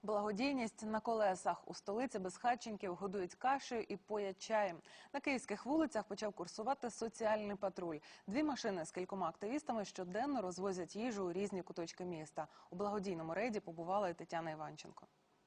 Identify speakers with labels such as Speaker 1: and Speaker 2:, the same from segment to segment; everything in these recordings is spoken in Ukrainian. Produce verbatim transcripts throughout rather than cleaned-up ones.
Speaker 1: Благодійність на колесах. У столиці безхатченків годують кашею і поять чаєм. На київських вулицях почав курсувати соціальний патруль. Дві машини з кількома активістами щоденно розвозять їжу у різні куточки міста. У благодійному рейді побувала і Тетяна Іванченко.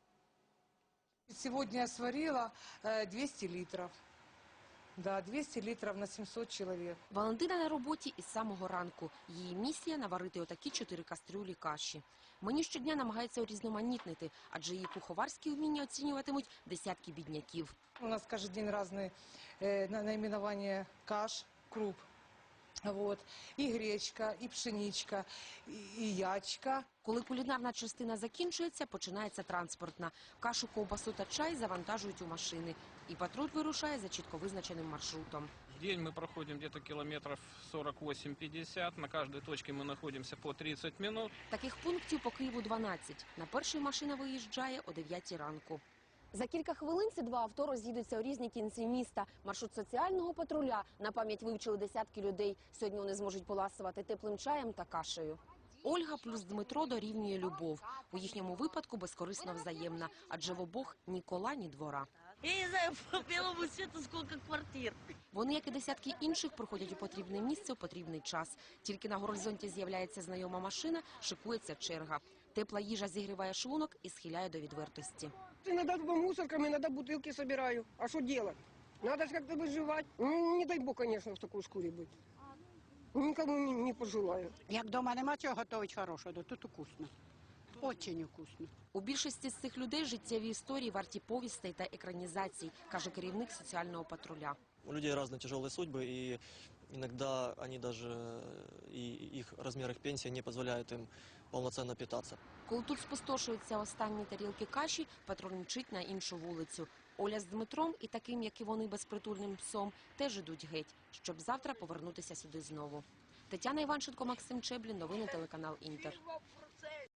Speaker 2: Сьогодні я сварила двісті літрів. Да, двісті літрів на сімсот чоловік.
Speaker 3: Валентина на роботі із самого ранку. Її місія – наварити отакі чотири кастрюлі каші. Меню щодня намагається урізноманітнити, адже її куховарські вміння оцінюватимуть десятки бідняків.
Speaker 2: У нас кожен день різні е, найменування каш, круп. Вот. І гречка, і пшеничка, і, і ячка.
Speaker 3: Коли кулінарна частина закінчується, починається транспортна. Кашу, ковбасу та чай завантажують у машини. І патруль вирушає за чітко визначеним маршрутом.
Speaker 4: В день мы проходим где-то километров сорок восемь — пятьдесят. На каждой точке мы находимся по тридцать минут.
Speaker 3: Таких пунктів по Києву дванадцять. На перший машина виїжджає о дев'ятій ранку. За кілька хвилин ці два авто роз'їдуться у різні кінці міста. Маршрут соціального патруля на пам'ять вивчили десятки людей. Сьогодні вони зможуть поласувати теплим чаєм та кашею. Ольга плюс Дмитро дорівнює любов. У їхньому випадку безкорисно взаємна, адже в обох ні кола, ні двора.
Speaker 5: Я не знаю по белому свету сколько квартир.
Speaker 3: Вони, як і десятки інших, приходять у потрібне місце у потрібний час. Тільки на горизонті з'являється знайома машина, шикується черга. Тепла їжа зігріває шлунок і схиляє до відвертості.
Speaker 6: Иногда мусорками, иногда бутылки собираю. А что делать? Надо же как-то выживать. Ну, не дай бог, конечно, в такой шкуре быть. Никому не, не пожелаю.
Speaker 7: Як вдома нема чого готувати хорошого, то тут вкусно. Очень вкусно.
Speaker 3: У більшості з цих людей життєві історії варті повістей та екранізацій, каже керівник соціального патруля.
Speaker 8: У людей разные тяжелые судьбы, и иногда они даже, и их размер их пенсии не позволяет им полноценно питаться.
Speaker 3: Коли тут спустошуються останні тарілки каші, патруль мчить на іншу вулицю. Оля з Дмитром і таким, як і вони, безпритульним псом, теж ідуть геть, щоб завтра повернутися сюди знову. Тетяна Іванченко, Максим Чеблін, новини телеканал Інтер.